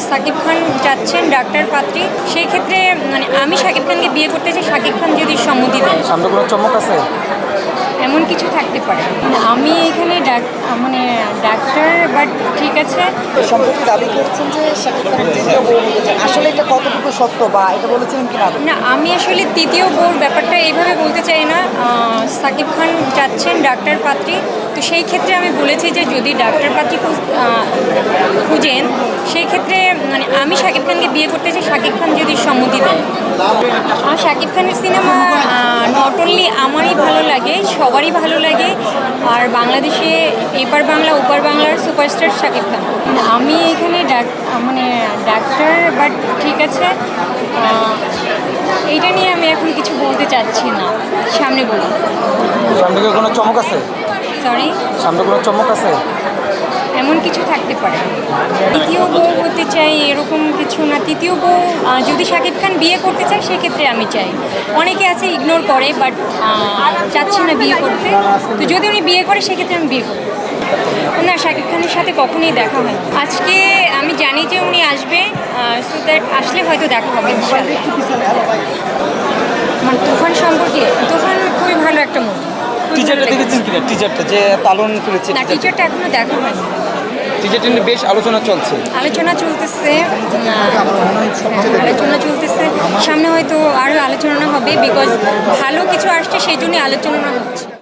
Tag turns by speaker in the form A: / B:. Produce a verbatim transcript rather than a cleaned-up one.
A: সাকিব খান যাচ্ছেন ডাক্তার পাত্রী, সেই ক্ষেত্রে মানে আমি সাকিব খানকে বিয়ে করতে চাই, সাকিব খান যদি সম্মতি দেয়।
B: সামনে কোনো চমক আছে?
A: এমন কিছু থাকতে পারে। আমি এখানে ডাক মানে ডাক্তার, বাট ঠিক আছে।
C: সম্প্রতি দাবি করছেন যে শাকিব খানের তৃতীয় বউ হতে চান, আসলে এটা কতটুকু সত্য বা এটা বলেছিলেন কিনা?
A: না, আমি আসলে তৃতীয় বউর ব্যাপারটা এইভাবে বলতে চাই না। আহ, সাকিব খান যাচ্ছেন ডাক্তার পাত্রী, তো সেই ক্ষেত্রে আমি বলেছি যে যদি ডাক্তার পাত্রী খুঁজ- আহ, খুঁজেন, সেই ক্ষেত্রে মানে আমি সাকিব খানকে বিয়ে করতে চাই, সাকিব খান যদি সম্মতি দেয়। আমার সাকিব খানের সিনেমা নট অনলি আমারই ভালো লাগে, সবারই ভালো লাগে। আর বাংলাদেশে এপার বাংলা ওপার বাংলার সুপারস্টার সাকিব খান। আমি এখানে ডাক মানে ডাক্তার, বাট ঠিক আছে। আহ, এইটা নিয়ে আমি এখন কিছু বলতে চাচ্ছি না, সামনে বলি।
B: সামনে কি কোনো চমক আছে?
A: সরি,
B: সামনে কোনো চমক আছে?
A: এমন কিছু থাকতে পারে। তৃতীয় বউ হতে চাই এরকম কিছু না। তৃতীয় বউ আহ, যদি শাকিব খান বিয়ে করতে চায় সেক্ষেত্রে আমি চাই। অনেকে আছে ইগনোর করে, বাট চাচ্ছি না বিয়ে করতে। তো যদি উনি বিয়ে করে সেক্ষেত্রে আমি বিয়ে করব না। শাকিব খানের সাথে কখনোই দেখা হয় আজকে। আমি জানি যে উনি আসবে, সো দ্যাট আসলে হয়তো দেখা হবে ইনশাআল্লাহ। মানে তুফান সম্পর্কে, তুফান খুবই ভালো একটা মুভি।
B: টিজারটা দেখেছেন কিনা? টিজারটা যে তালন করেছে,
A: না, টিচারটা এখনো দেখা হয়নি।
B: টিজারটা নিয়ে বেশ আলোচনা চলছে।
A: আলোচনা চলতেছে আহ, আলোচনা চলতেছে সামনে হয়তো আরও আলোচনা হবে, বিকজ ভালো কিছু আসছে সেই জন্যই আলোচনা হচ্ছে।